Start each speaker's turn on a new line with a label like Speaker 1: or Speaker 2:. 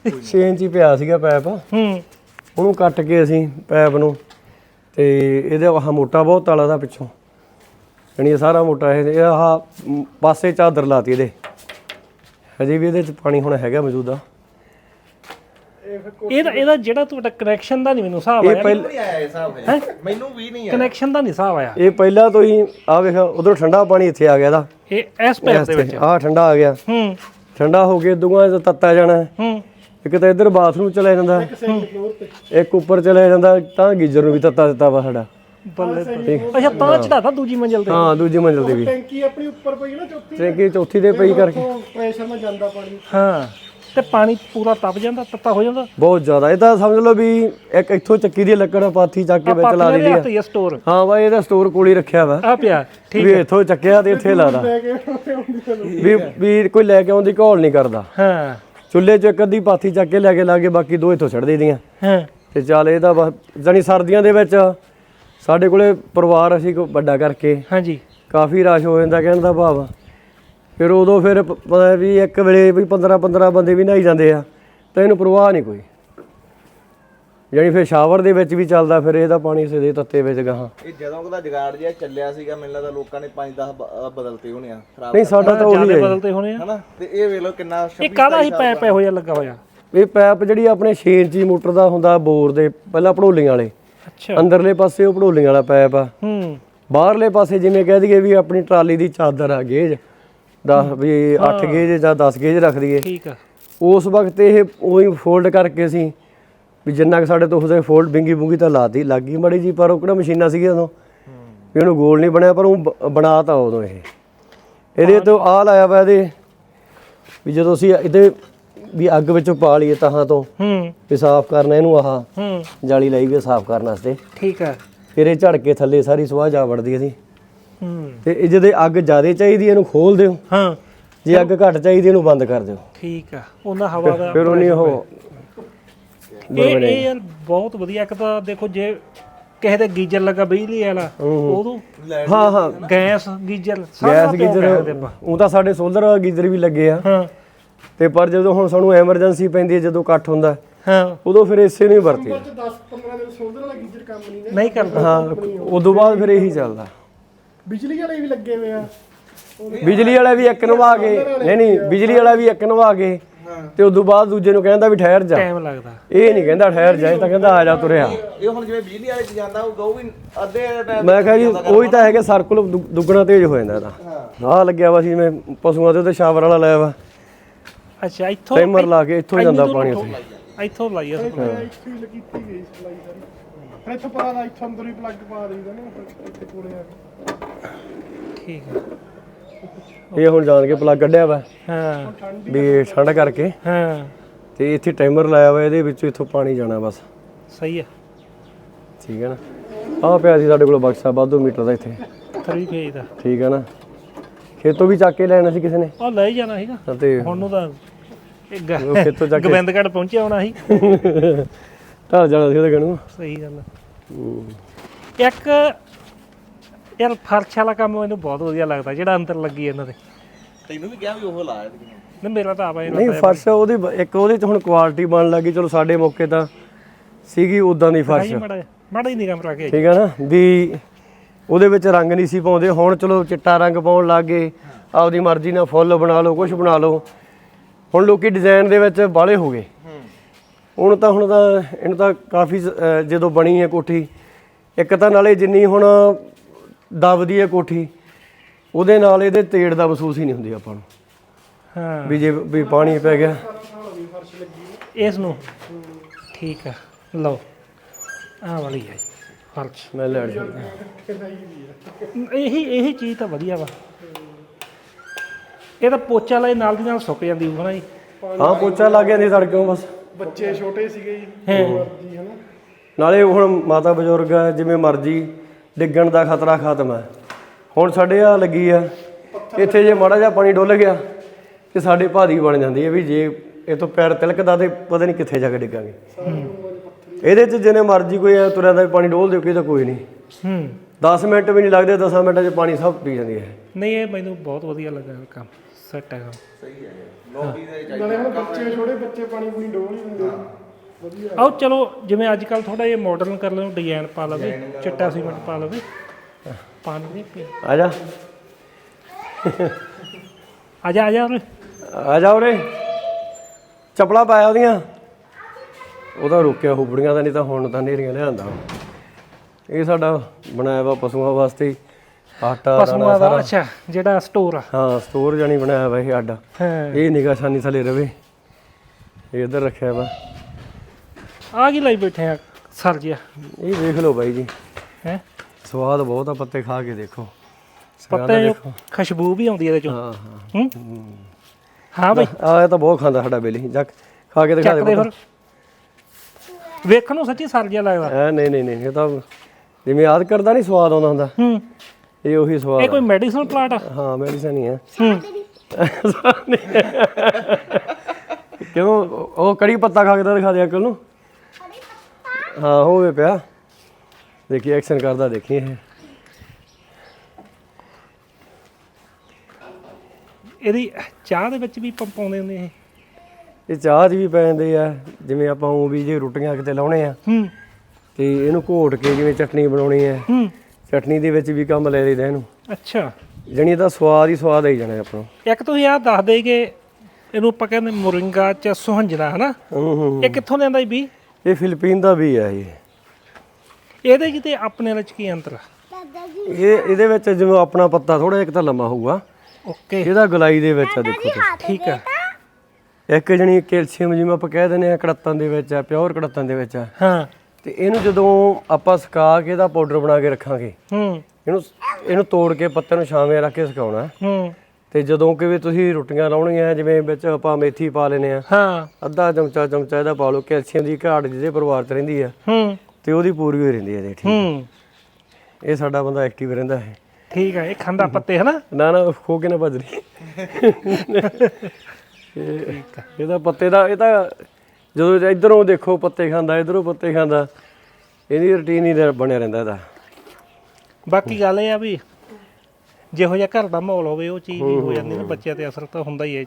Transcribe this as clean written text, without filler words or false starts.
Speaker 1: 6 inch ਹੀ ਪਿਆ ਸੀਗਾ ਪੈਪ। ਉਹਨੂੰ ਕੱਟ ਕੇ ਅਸੀਂ ਪੈਪ ਨੂੰ ਤੇ ਇਹਦੇ ਆਹ ਮੋਟਾ ਬਹੁਤ ਤਾਲਾ ਦਾ ਪਿੱਛੋਂ ਯਾਨੀ ਸਾਰਾ ਮੋਟਾ ਇਹ ਆਹ ਪਾਸੇ ਚਾਦਰ ਲਾਤੀ ਇਹਦੇ। ਹਜੇ ਵੀ ਇਹਦੇ ਚ ਪਾਣੀ ਹੁਣ ਹੈਗਾ ਮੌਜੂਦਾ।
Speaker 2: ਇਹਦਾ ਜਿਹੜਾ ਤੁਹਾਡਾ ਕਨੈਕਸ਼ਨ ਦਾ ਨਹੀਂ ਮੈਨੂੰ ਹਿਸਾਬ ਆਇਆ।
Speaker 1: ਇਹ ਪਹਿਲਾਂ
Speaker 3: ਮੈਨੂੰ ਵੀ ਨਹੀਂ
Speaker 2: ਕਨੈਕਸ਼ਨ ਦਾ ਨਹੀਂ ਹਿਸਾਬ ਆਇਆ।
Speaker 1: ਇਹ ਪਹਿਲਾਂ ਤੋਂ ਹੀ ਆ ਵੇਖ ਉਧਰੋਂ ਠੰਡਾ ਪਾਣੀ ਇੱਥੇ ਆ ਗਿਆ ਇਹਦਾ।
Speaker 2: ਇਹ ਇਸ ਪੈਪ ਦੇ ਵਿੱਚ
Speaker 1: ਆਹ ਠੰਡਾ ਆ ਗਿਆ। ਠੰਡਾ ਹੋ ਕੇ ਦੁਆ ਤੱਤਾ ਜਾਣਾ। ਇੱਕ ਤਾਂ ਇੱਧਰ ਬਾਥਰੂਮ ਚਲਾ ਜਾਂਦਾ, ਇੱਕ ਉੱਪਰ ਚਲਾ ਜਾਂਦਾ ਤਾਂ ਗੀਜ਼ਰ ਨੂੰ ਵੀ ਤੱਤਾ ਦਿੱਤਾ ਵਾ ਸਾਡਾ।
Speaker 2: ਅੱਛਾ ਤਾਂ ਚੜਾਤਾ ਦੂਜੀ ਮੰਜ਼ਿਲ ਤੇ।
Speaker 1: ਹਾਂ ਦੂਜੀ ਮੰਜ਼ਿਲ ਤੇ ਵੀ
Speaker 3: ਟੈਂਕੀ ਆਪਣੀ ਉੱਪਰ ਪਈ ਨਾ ਚੌਥੀ।
Speaker 1: ਟੈਂਕੀ ਚੌਥੀ ਤੇ ਪਈ ਕਰਕੇ
Speaker 3: ਪ੍ਰੈਸ਼ਰ ਨਾਲ ਜਾਂਦਾ ਪਾਣੀ।
Speaker 2: ਹਾਂ ਤੇ ਪਾਣੀ ਪੂਰਾ ਤਪ ਜਾਂਦਾ, ਤੱਤਾ ਹੋ ਜਾਂਦਾ
Speaker 1: ਬਹੁਤ ਜ਼ਿਆਦਾ। ਇਹ ਤਾਂ ਸਮਝ ਲਓ ਵੀ ਇੱਕ ਇੱਥੋਂ ਚੱਕੀ ਦੀ ਲੱਕੜ ਪਾਥੀ ਚੱਕ ਕੇ ਵਿੱਚ ਲਾ ਲਈ
Speaker 2: ਆ ਸਟੋਰ।
Speaker 1: ਹਾਂ ਬਾਈ ਇਹਦਾ ਸਟੋਰ ਕੋਲ ਹੀ ਰੱਖਿਆ ਵਾ
Speaker 2: ਆ ਪਿਆ ਠੀਕ
Speaker 1: ਵੀ ਇੱਥੋਂ ਚੱਕਿਆ ਤੇ ਇੱਥੇ ਲਾਦਾ ਵੀ ਕੋਈ ਲੈ ਕੇ ਆਉਂਦੀ ਘੋਲ ਨਹੀਂ ਕਰਦਾ।
Speaker 2: ਹਾਂ
Speaker 1: ਚੁੱਲ੍ਹੇ 'ਚ ਇੱਕ ਅੱਧੀ ਪਾਥੀ ਚੱਕ ਕੇ ਲੈ ਕੇ ਲਾ ਕੇ ਬਾਕੀ ਦੋ ਇੱਥੋਂ ਛੱਡ ਦੇਈਆਂ।
Speaker 2: ਹਾਂ
Speaker 1: ਤੇ ਚੱਲ ਇਹਦਾ ਬਸ ਜਾਣੀ ਸਰਦੀਆਂ ਦੇ ਵਿੱਚ ਸਾਡੇ ਕੋਲੇ ਪਰਿਵਾਰ ਅਸੀਂ ਵੱਡਾ ਕਰਕੇ
Speaker 2: ਹਾਂਜੀ
Speaker 1: ਕਾਫੀ ਰਸ਼ ਹੋ ਜਾਂਦਾ ਕਹਿਣ ਦਾ ਭਾਵ। ਫਿਰ ਉਦੋਂ ਫਿਰ ਪਤਾ ਵੀ ਇੱਕ ਵੇਲੇ ਵੀ 15 ਬੰਦੇ ਵੀ ਨਹਾਈ ਜਾਂਦੇ ਆ ਤਾਂ ਇਹਨੂੰ ਪ੍ਰਵਾਹ ਨਹੀਂ ਕੋਈ। ਜਾਣੀ ਫਿਰ ਸ਼ਾਵਰ ਦੇ ਵਿੱਚ ਵੀ ਚੱਲਦਾ ਫਿਰ ਇਹਦਾ ਪਾਣੀ ਸਿੱਧੇ ਤੱਤੇ ਵਿੱਚ ਗਾਹਾਂ।
Speaker 3: ਇਹ ਜਦੋਂ ਉਹਦਾ ਜਗਾੜ ਜਿਹਾ ਚੱਲਿਆ ਸੀਗਾ ਮੈਨੂੰ ਲੱਗਦਾ ਲੋਕਾਂ ਨੇ 5-10 ਬਦਲਤੇ ਹੋਣੇ ਆ ਖਰਾਬ।
Speaker 1: ਨਹੀਂ ਸਾਡਾ ਤਾਂ ਉਹੀ ਹੈ
Speaker 2: ਬਦਲਤੇ ਹੋਣੇ ਆ
Speaker 3: ਹਨਾ। ਤੇ ਇਹ ਵੇਖ ਲਓ ਕਿੰਨਾ
Speaker 2: ਇਹ ਕਾਹਦਾ ਹੀ ਪੈਪ ਇਹੋ ਜਿਹਾ ਲੱਗਾ ਹੋਇਆ।
Speaker 1: ਇਹ ਪੈਪ ਜਿਹੜੀ ਆਪਣੇ 6 ਇੰਚੀ ਮੋਟਰ ਦਾ ਹੁੰਦਾ ਬੋਰ ਦੇ ਪਹਿਲਾਂ ਭੜੋਲੀਆਂ ਵਾਲੇ।
Speaker 2: ਅੱਛਾ
Speaker 1: ਅੰਦਰਲੇ ਪਾਸੇ ਉਹ ਭੜੋਲੀਆਂ ਵਾਲਾ ਪੈਪ ਆ। ਬਾਹਰਲੇ ਪਾਸੇ ਜਿਵੇਂ ਕਹਿ ਦਈਏ ਵੀ ਆਪਣੀ ਟਰਾਲੀ ਦੀ ਚਾਦਰ ਆ ਗੇਜ 10 ਵੀ 8 ਗੇਜ ਜਾਂ 10 ਗੇਜ ਰੱਖ ਦਈਏ।
Speaker 2: ਠੀਕ ਆ।
Speaker 1: ਉਸ ਵਕਤ ਇਹ ਉਹੀ ਫੋਲਡ ਕਰਕੇ ਅਸੀਂ ਵੀ ਜਿੰਨਾ ਕਿ ਸਾਡੇ ਤੋਂ ਉਹਦੇ ਫੋਲਡ ਬਿੰਗੀ ਬੁੰਗੀ ਤਾਂ ਲਾਤੀ ਲੱਗ ਗਈ ਮੜੀ ਜੀ। ਪਰ ਉਹ ਕਿਹੜਾ ਮਸ਼ੀਨਾਂ ਸੀਗੀਆਂ ਉਦੋਂ ਵੀ ਉਹਨੂੰ ਗੋਲ ਨਹੀਂ ਬਣਿਆ। ਪਰ ਉਹ ਬਣਾ ਤਾ ਉਦੋਂ ਇਹ ਇਹਦੇ ਤੋਂ ਆਹ ਲਾਇਆ ਵਾ ਇਹਦੇ ਵੀ ਜਦੋਂ ਅਸੀਂ ਇਹਦੇ ਵੀ ਅੱਗ ਵਿੱਚੋਂ ਪਾ ਲਈਏ ਤਾਹਾਂ ਤੋਂ ਵੀ ਸਾਫ਼ ਕਰਨਾ ਇਹਨੂੰ ਆਹ ਜਾਲੀ ਲਾਈ ਵੀ ਸਾਫ਼ ਕਰਨ ਵਾਸਤੇ।
Speaker 2: ਠੀਕ ਆ।
Speaker 1: ਫਿਰ ਇਹ ਝੜ ਕੇ ਥੱਲੇ ਸਾਰੀ ਸੁਆਹ ਜਾ ਵੜਦੀ ਅਸੀਂ। ਤੇ ਇਹ ਜਦੋਂ ਅੱਗ ਜ਼ਿਆਦਾ ਚਾਹੀਦੀ ਇਹਨੂੰ ਖੋਲ ਦਿਓ।
Speaker 2: ਹਾਂ
Speaker 1: ਜੇ ਅੱਗ ਘੱਟ ਚਾਹੀਦੀ ਇਹਨੂੰ ਬੰਦ ਕਰ ਦਿਓ।
Speaker 2: ਠੀਕ ਆ। ਉਹਨਾਂ ਹਵਾ ਦਾ
Speaker 1: ਫਿਰ ਉਹਨੇ ਉਹ
Speaker 2: ਇਹ ਯਾਰ ਬਹੁਤ ਵਧੀਆ। ਇੱਕ ਤਾਂ ਦੇਖੋ ਜੇ ਕਿਸੇ ਦੇ ਗੀਜ਼ਰ ਲੱਗਾ ਬਿਜਲੀ ਵਾਲਾ ਉਦੋਂ
Speaker 1: ਹਾਂ
Speaker 2: ਗੈਸ ਗੀਜ਼ਰ
Speaker 1: ਗੈਸ ਗੀਜ਼ਰ ਉਹ ਤਾਂ ਸਾਡੇ ਸੋਲਰ ਗੀਜ਼ਰ ਵੀ ਲੱਗੇ ਆ।
Speaker 2: ਹਾਂ ਤੇ
Speaker 1: ਪਰ ਜਦੋਂ ਹੁਣ ਸਾਨੂੰ ਐਮਰਜੈਂਸੀ ਪੈਂਦੀ ਹੈ ਜਦੋਂ ਇਕੱਠ ਹੁੰਦਾ
Speaker 2: ਹਾਂ
Speaker 1: ਉਦੋਂ ਫਿਰ ਇਸੇ ਨੂੰ ਵਰਤੀ
Speaker 3: 10-15 ਦਿਨ ਸੋਲਰ ਵਾਲਾ ਗੀਜ਼ਰ ਕੰਮ
Speaker 2: ਨਹੀਂ ਕਰਦਾ।
Speaker 1: ਹਾਂ ਉਦੋਂ ਬਾਅਦ ਫਿਰ ਇਹੀ ਚੱਲਦਾ।
Speaker 3: ਬਿਜਲੀ ਵਾਲੇ ਵੀ ਲੱਗੇ ਹੋਏ ਆ।
Speaker 1: ਬਿਜਲੀ ਵਾਲਾ ਵੀ ਇੱਕ ਨਵਾ ਕੇ ਨਹੀਂ ਬਿਜਲੀ ਵਾਲਾ ਵੀ ਇੱਕ ਨਵਾ ਕੇ ਤੇ ਉਦੋਂ ਬਾਅਦ ਦੂਜੇ ਨੂੰ ਕਹਿੰਦਾ ਵੀ ਠਹਿਰ ਜਾ।
Speaker 2: ਟਾਈਮ ਲੱਗਦਾ।
Speaker 1: ਇਹ ਨਹੀਂ ਕਹਿੰਦਾ ਠਹਿਰ ਜਾ, ਇਹ ਤਾਂ ਕਹਿੰਦਾ ਆ ਜਾ ਤੁਰਿਆ।
Speaker 3: ਇਹ ਹੁਣ ਜਿਵੇਂ ਬਿਜਲੀ ਵਾਲੇ ਚ ਜਾਂਦਾ ਉਹ ਵੀ ਅੱਧੇ ਟਾਈਮ
Speaker 1: ਮੈਂ ਕਿਹਾ ਜੀ ਉਹੀ ਤਾਂ ਹੈਗਾ ਸਰਕਲ ਦੁੱਗਣਾ ਤੇਜ਼ ਹੋ ਜਾਂਦਾ ਇਹਦਾ। ਆਹ ਲੱਗਿਆ ਵਾ ਸੀ ਜਿਵੇਂ ਪਸ਼ੂਆਂ ਦੇ ਉਹਦੇ ਸ਼ਾਵਰ ਵਾਲਾ ਲਾਇਆ ਵਾ।
Speaker 2: ਅੱਛਾ ਇੱਥੋਂ
Speaker 1: ਟਾਈਮਰ ਲਾ ਕੇ ਇੱਥੋਂ ਜਾਂਦਾ ਪਾਣੀ ਉੱਥੇ।
Speaker 2: ਇੱਥੋਂ ਲਾਈ ਆ
Speaker 3: ਇੱਥੇ ਹੀ ਕੀਤੀ ਗਈ ਸਪਲਾਈ ਸਾਰੀ। ਫਿਰ ਇੱਥੋਂ ਪਤਾ ਲੱਗ ਇੱਥੋਂ ਅੰਦਰ ਹੀ ਪਲੱਗ ਪਾ ਦਈਦਾ ਨਾ ਇੱਥੇ ਕੋਲੇ ਆ ਕੇ।
Speaker 2: ਠੀਕ ਆ।
Speaker 1: ਇਹ ਹੁਣ ਜਾਣ ਕੇ ਪਲੱਗ ਕੱਢਿਆ ਵਾ
Speaker 2: ਹਾਂ
Speaker 1: ਵੀ ਠੰਡ ਕਰਕੇ।
Speaker 2: ਹਾਂ
Speaker 1: ਤੇ ਇੱਥੇ ਟਾਈਮਰ ਲਾਇਆ ਵਾ ਇਹਦੇ ਵਿੱਚੋਂ ਇੱਥੋਂ ਪਾਣੀ ਜਾਣਾ ਬਸ।
Speaker 2: ਸਹੀ ਆ।
Speaker 1: ਠੀਕ ਹੈ ਨਾ। ਆਹ ਪਿਆ ਸੀ ਸਾਡੇ ਕੋਲ ਬਕਸਾ ਵਾਧੂ ਮੀਟਰ ਦਾ ਇੱਥੇ
Speaker 2: 3 ਫੇਜ਼ ਦਾ।
Speaker 1: ਠੀਕ ਹੈ ਨਾ। ਖੇਤੋਂ ਵੀ ਚੱਕ ਕੇ ਲੈਣਾ ਸੀ ਕਿਸੇ ਨੇ
Speaker 2: ਆ ਲੈ ਜਾਣਾ ਸੀਗਾ
Speaker 1: ਤੇ
Speaker 2: ਹੁਣ ਨੂੰ ਤਾਂ
Speaker 1: ਖੇਤੋਂ ਚੱਕ ਕੇ
Speaker 2: ਗੋਬਿੰਦਗੜ੍ਹ ਪਹੁੰਚਿਆ ਹੋਣਾ ਸੀ।
Speaker 1: ਢਲ ਜਾਣਾ ਸੀ ਉਹਦੇ ਕਣੂ।
Speaker 2: ਸਹੀ ਗੱਲ ਆ। ਇੱਕ ਯਾਰ ਫਰਸ਼ ਵਾਲਾ ਕੰਮ ਮੈਨੂੰ ਬਹੁਤ ਵਧੀਆ ਲੱਗਦਾ ਜਿਹੜਾ ਅੰਦਰ ਲੱਗੀ ਇਹਨਾਂ ਦੇ।
Speaker 3: ਤੈਨੂੰ ਵੀ ਕਿਹਾ ਵੀ ਉਹ ਲਾ
Speaker 2: ਨਹੀਂ ਮੇਰਾ ਤਾਂ ਆਵਾ
Speaker 1: ਨਹੀਂ ਫਰਸ਼ ਉਹਦੀ ਇੱਕ ਉਹਦੇ ਚ ਹੁਣ ਕੁਆਲਿਟੀ ਬਣ ਲੱਗੀ। ਚਲੋ ਸਾਡੇ ਮੌਕੇ ਤਾਂ ਸੀਗੀ ਉਦਾਂ ਦੀ ਫਰਸ਼।
Speaker 2: ਮਾੜਾ ਹੀ ਨਹੀਂ ਕੰਮ ਰੱਖ ਕੇ।
Speaker 1: ਠੀਕ ਹੈ ਨਾ ਵੀ ਉਹਦੇ ਵਿੱਚ ਰੰਗ ਨਹੀਂ ਸੀ ਪਾਉਂਦੇ। ਹੁਣ ਚਲੋ ਚਿੱਟਾ ਰੰਗ ਪਾਉਣ ਲੱਗ ਗਏ। ਆਪਦੀ ਮਰਜ਼ੀ ਨਾਲ ਫੁੱਲ ਬਣਾ ਲਓ ਕੁਛ ਬਣਾ ਲਓ। ਹੁਣ ਲੋਕੀ ਡਿਜ਼ਾਈਨ ਦੇ ਵਿੱਚ ਬਾਹਲੇ ਹੋ ਗਏ। ਹੁਣ ਤਾਂ ਇਹਨੂੰ ਤਾਂ ਕਾਫੀ ਜਦੋਂ ਬਣੀ ਹੈ ਕੋਠੀ ਇੱਕ ਤਾਂ ਨਾਲੇ ਜਿੰਨੀ ਹੁਣ ਦਬਦੀ ਹੈ ਕੋਠੀ ਉਹਦੇ ਨਾਲ ਇਹਦੇ ਤੇੜ ਦਾ ਮਹਿਸੂਸ ਹੀ ਨਹੀਂ ਹੁੰਦੀ ਆਪਾਂ ਨੂੰ।
Speaker 2: ਹਾਂ
Speaker 1: ਵੀ ਜੇ ਵੀ ਪਾਣੀ ਪੈ ਗਿਆ
Speaker 2: ਇਸ ਨੂੰ। ਠੀਕ ਆ ਲਓ ਆਹ ਵਾਲੀ ਹੈ ਫਰਸ਼।
Speaker 1: ਮੈਂ ਲੈਣ ਜਾਂਦਾ
Speaker 2: ਇਹੀ ਚੀਜ਼ ਤਾਂ ਵਧੀਆ ਵਾ। ਇਹ ਤਾਂ ਪੋਚਾ ਲਾਏ ਨਾਲ ਦੀ ਨਾਲ ਸੁੱਕ ਜਾਂਦੀ ਹੋਊ ਨਾ ਜੀ।
Speaker 1: ਹਾਂ ਪੋਚਾ ਲੱਗ ਜਾਂਦੀ ਸੜਕੋਂ ਬਸ।
Speaker 3: ਬੱਚੇ ਛੋਟੇ ਸੀਗੇ ਜੀ ਮਰਜ਼ੀ ਹਨਾ।
Speaker 1: ਨਾਲੇ ਹੁਣ ਮਾਤਾ ਬਜ਼ੁਰਗ ਆ ਜਿਵੇਂ ਮਰਜ਼ੀ ਡਿੱਗਣ ਦਾ ਖਤਰਾ ਖਤਮ ਹੈ। ਹੁਣ ਸਾਡੇ ਆ ਲੱਗੀ ਆ ਇੱਥੇ ਜੇ ਮਾੜਾ ਜਿਹਾ ਪਾਣੀ ਡੁੱਲ ਗਿਆ ਤੇ ਸਾਡੇ ਭਾਰੀ ਬਣ ਜਾਂਦੀ ਹੈ ਵੀ ਜੇ ਇਹ ਤੋਂ ਪੈਰ ਤਿਲਕਦਾ ਤੇ ਪਤਾ ਨਹੀਂ ਕਿੱਥੇ ਜਾ ਕੇ ਡਿੱਗਾਂਗੇ। ਇਹਦੇ 'ਚ ਜਿੰਨੇ ਮਰਜ਼ੀ ਕੋਈ ਐ ਤੁਰਿਆ ਦਾ ਪਾਣੀ ਡੋਲ ਦਿਓ ਤਾਂ ਕੋਈ ਨਹੀਂ। 10 ਮਿੰਟ ਵੀ ਨਹੀਂ ਲੱਗਦੇ। 10 ਮਿੰਟਾਂ 'ਚ ਪਾਣੀ ਸਭ ਪੀ ਜਾਂਦੀ ਹੈ।
Speaker 2: ਨਹੀਂ ਇਹ ਮੈਨੂੰ ਬਹੁਤ ਵਧੀਆ ਲੱਗਾ ਕੰਮ। ਸੈਟ ਹੈ
Speaker 4: ਸਹੀ ਹੈ ਲੋਬੀ ਦੇ
Speaker 3: ਨਾਲੇ ਹੁਣ ਬੱਚੇ ਛੋਟੇ ਬੱਚੇ ਪਾਣੀ ਪੂਣੀ ਡੋਲ ਨਹੀਂ ਦਿੰਦੇ ਵਧੀਆ
Speaker 2: ਆਓ ਚਲੋ ਜਿਵੇਂ ਅੱਜ ਕੱਲ ਥੋੜਾ ਜਿਹਾ ਮਾਡਰਨ ਕਰ ਲਓ ਡਿਜ਼ਾਈਨ ਪਾ ਲਵੇ ਚਿੱਟਾ ਸੀਮੈਂਟ ਪਾ ਲਵੇ ਪਾਣੀ ਦੇ ਪੀ
Speaker 1: ਆ ਜਾ
Speaker 2: ਆ ਜਾ ਉਰੇ।
Speaker 1: ਆ ਜਾ ਉਰੇ ਚੱਪਲਾਂ ਪਾਇਆ ਉਹਦੀਆਂ ਉਹਦਾ ਰੋਕਿਆ ਹੁਬੜੀਆਂ ਦਾ, ਨਹੀਂ ਤਾਂ ਹੁਣ ਤਾਂ ਨੇਰੀਆਂ ਲਿਆਂਦਾ। ਇਹ ਸਾਡਾ ਬਣਾਇਆ ਵਾ ਪਸ਼ੂਆਂ ਵਾਸਤੇ ਆਟਾ
Speaker 2: ਪਸ਼ੂਆਂ ਦਾ ਅੱਛਾ ਜਿਹੜਾ ਸਟੋਰ ਆ
Speaker 1: ਹਾਂ ਸਟੋਰ ਜਾਨੀ ਬਣਾਇਆ ਵਾ ਇਹ ਅੱਡ।
Speaker 2: ਹਾਂ
Speaker 1: ਇਹ ਨਿਗਾਹ ਸ਼ਾਨੀ ਥੱਲੇ ਰਵੇ, ਇਹ ਇੱਧਰ ਰੱਖਿਆ ਵਾ।
Speaker 2: ਆ ਕੀ ਲਈ ਬੈਠੇ ਆ ਸਰ ਜੀ
Speaker 1: ਇਹ ਦੇਖ ਲਓ ਬਾਈ ਜੀ,
Speaker 2: ਹੈ
Speaker 1: ਸਵਾਦ ਬਹੁਤ ਆ, ਪੱਤੇ ਖਾ ਕੇ ਦੇਖੋ।
Speaker 2: ਪੱਤੇ ਖੁਸ਼ਬੂ ਵੀ ਆਉਂਦੀ ਇਹਦੇ ਚੋਂ।
Speaker 1: ਹਾਂ ਹਾਂ
Speaker 2: ਹਾਂ ਬਈ
Speaker 1: ਆ ਇਹ ਤਾਂ ਬਹੁਤ ਖਾਂਦਾ ਸਾਡਾ ਬੇਲੀ, ਜਾ ਖਾ ਕੇ ਦਿਖਾ
Speaker 2: ਚੱਕ
Speaker 1: ਦੇ
Speaker 2: ਦੇ ਫਿਰ ਵੇਖਣ ਨੂੰ ਸੱਚੀ ਸਰ ਜਿਹਾ ਲੱਗਦਾ।
Speaker 1: ਐ ਨਹੀਂ ਨਹੀਂ ਨਹੀਂ, ਇਹ ਤਾਂ ਜਿਵੇਂ ਯਾਦ ਕਰਦਾ ਨਹੀਂ ਸਵਾਦ ਆਉਂਦਾ ਹੁੰਦਾ,
Speaker 2: ਹੂੰ
Speaker 1: ਇਹ ਉਹੀ ਸਵਾਦ
Speaker 2: ਇਹ ਕੋਈ ਮੈਡੀਸਨ ਪਲਾਂਟ ਆ?
Speaker 1: ਹਾਂ ਮੈਡੀਸਨ ਹੀ ਹੈ।
Speaker 2: ਹੂੰ
Speaker 1: ਕਿਉਂ ਉਹ ਕੜੀ ਪੱਤਾ ਖਾ ਕੇ ਤਾਂ ਦਿਖਾ ਦੇ ਅੰਕਲ ਨੂੰ। ਹਾਂ ਹੋਵੇ ਪਿਆ, ਦੇਖੀ ਐਕਸ਼ਨ ਕਰਦਾ, ਦੇਖੀ ਇਹ
Speaker 2: ਇਹਦੀ ਚਾਹ ਦੇ ਵਿੱਚ ਵੀ ਪਾਉਂਦੇ ਹੁੰਦੇ
Speaker 1: ਇਹ ਚਾਹ 'ਚ ਵੀ ਪੈ ਜਾਂਦੇ ਆ, ਜਿਵੇਂ ਆਪਾਂ ਉਹ ਵੀ ਜੇ ਰੋਟੀਆਂ ਕਿਤੇ ਲਾਉਣੇ ਆ
Speaker 2: ਹੂੰ
Speaker 1: ਤੇ ਇਹਨੂੰ ਘੋਟ ਕੇ ਜਿਵੇਂ ਚਟਨੀ ਬਣਾਉਣੀ ਹੈ,
Speaker 2: ਹੂੰ
Speaker 1: ਚਟਨੀ ਦੇ ਵਿੱਚ ਵੀ ਕੰਮ ਲੈ ਲਈਦਾ ਇਹਨੂੰ।
Speaker 2: ਅੱਛਾ
Speaker 1: ਜਣੀ ਇਹਦਾ ਸਵਾਦ ਹੀ ਸਵਾਦ ਆਈ ਜਾਣਾ ਆਪਾਂ ਨੂੰ।
Speaker 2: ਇੱਕ ਤੁਸੀਂ ਆਹ ਦੱਸ ਦੇ ਕਿ ਇਹਨੂੰ ਆਪਾਂ ਕਹਿੰਦੇ ਮੁਰਿੰਗਾ ਚ ਸੁਹੰਜਣਾ ਹਨਾ,
Speaker 1: ਹੂੰ
Speaker 2: ਇਹ ਕਿੱਥੋਂ ਲਿਆਂਦਾ ਵੀ?
Speaker 1: ਇਹ ਫਿਲੀਪੀਨ ਦਾ ਵੀ ਹੈ ਇਹ।
Speaker 2: ਇਹਦੇ ਚ ਤੇ ਆਪਣੇ ਵਿੱਚ ਕੀ ਅੰਤਰ ਆ?
Speaker 1: ਇਹਦੇ ਵਿੱਚ ਜਿਵੇਂ ਆਪਣਾ ਪੱਤਾ ਥੋੜਾ ਜਿਹਾ ਤਾਂ ਲੰਮਾ ਹੋਊਗਾ,
Speaker 2: ਓਕੇ
Speaker 1: ਇਹਦਾ ਗਲਾਈ ਦੇ ਵਿੱਚ ਆ ਦੇਖੋ ਤੁਸੀਂ।
Speaker 2: ਠੀਕ ਆ।
Speaker 1: ਇੱਕ ਜਣੀ ਕੈਲਸ਼ੀਅਮ ਜਿਵੇਂ ਆਪਾਂ ਕਹਿ ਦਿੰਦੇ ਆ ਕੜੱਤਨ ਦੇ ਵਿੱਚ ਆ, ਪਿਓਰ ਕੜੱਤਨ ਦੇ ਵਿੱਚ ਆ,
Speaker 2: ਹਾਂ
Speaker 1: ਤੇ ਇਹਨੂੰ ਜਦੋਂ ਆਪਾਂ ਸੁਕਾ ਕੇ ਇਹਦਾ ਪਾਊਡਰ ਬਣਾ ਕੇ ਰੱਖਾਂਗੇ,
Speaker 2: ਹੂੰ
Speaker 1: ਇਹਨੂੰ ਤੋੜ ਕੇ ਪੱਤੇ ਨੂੰ ਛਾਵੇਂ ਰੱਖ ਕੇ ਸੁਕਾਉਣਾ।
Speaker 2: ਹੂੰ
Speaker 1: ਤੇ ਜਦੋਂ ਕਿ ਵੀ ਤੁਸੀਂ ਰੋਟੀਆਂ ਲਾਉਣੀਆਂ, ਜਿਵੇਂ ਵਿੱਚ ਆਪਾਂ ਮੇਥੀ ਪਾ ਲੈਨੇ ਆ,
Speaker 2: ਹਾਂ
Speaker 1: ਅੱਧਾ ਚਮਚਾ ਇਹਦਾ ਪਾ ਲਓ। ਕੈਲਸ਼ੀਅਮ ਦੀ ਘਾਟ ਜਿਹਦੇ ਪਰਿਵਾਰ 'ਚ ਰਹਿੰਦੀ ਆ
Speaker 2: ਹੂੰ
Speaker 1: ਤੇ ਉਹਦੀ ਪੂਰੀ ਹੋਈ ਰਹਿੰਦੀ ਹੈ ਇਹਦੇ। ਠੀਕ,
Speaker 2: ਹੂੰ
Speaker 1: ਇਹ ਸਾਡਾ ਬੰਦਾ ਐਕਟਿਵ ਰਹਿੰਦਾ ਹੈ।
Speaker 2: ਠੀਕ ਆ। ਇਹ ਖਾਂਦਾ ਪੱਤੇ ਹਨਾ?
Speaker 1: ਨਾ ਨਾ ਖੋ ਕੇ ਨਾ ਭੱਜ ਰਹੀ। ਇਹਦਾ ਪੱਤੇ ਦਾ, ਇਹ ਤਾਂ ਜਦੋਂ ਇਧਰੋਂ ਦੇਖੋ ਪੱਤੇ ਖਾਂਦਾ, ਇਧਰੋਂ ਪੱਤੇ ਖਾਂਦਾ, ਇਹਦੀ ਰੁਟੀਨ ਹੀ ਬਣਿਆ ਰਹਿੰਦਾ ਇਹਦਾ।
Speaker 2: ਬਾਕੀ ਗੱਲ ਇਹ ਆ ਵੀ ਜਿਹੋ ਜਿਹਾ ਘਰ ਦਾ ਮਾਹੌਲ ਹੋਵੇ ਉਹ ਚੀਜ਼ ਵੀ ਹੋ ਜਾਂਦੀ ਨਾ, ਬੱਚਿਆਂ ਤੇ ਅਸਰ ਤਾਂ ਹੁੰਦਾ ਹੀ ਹੈ।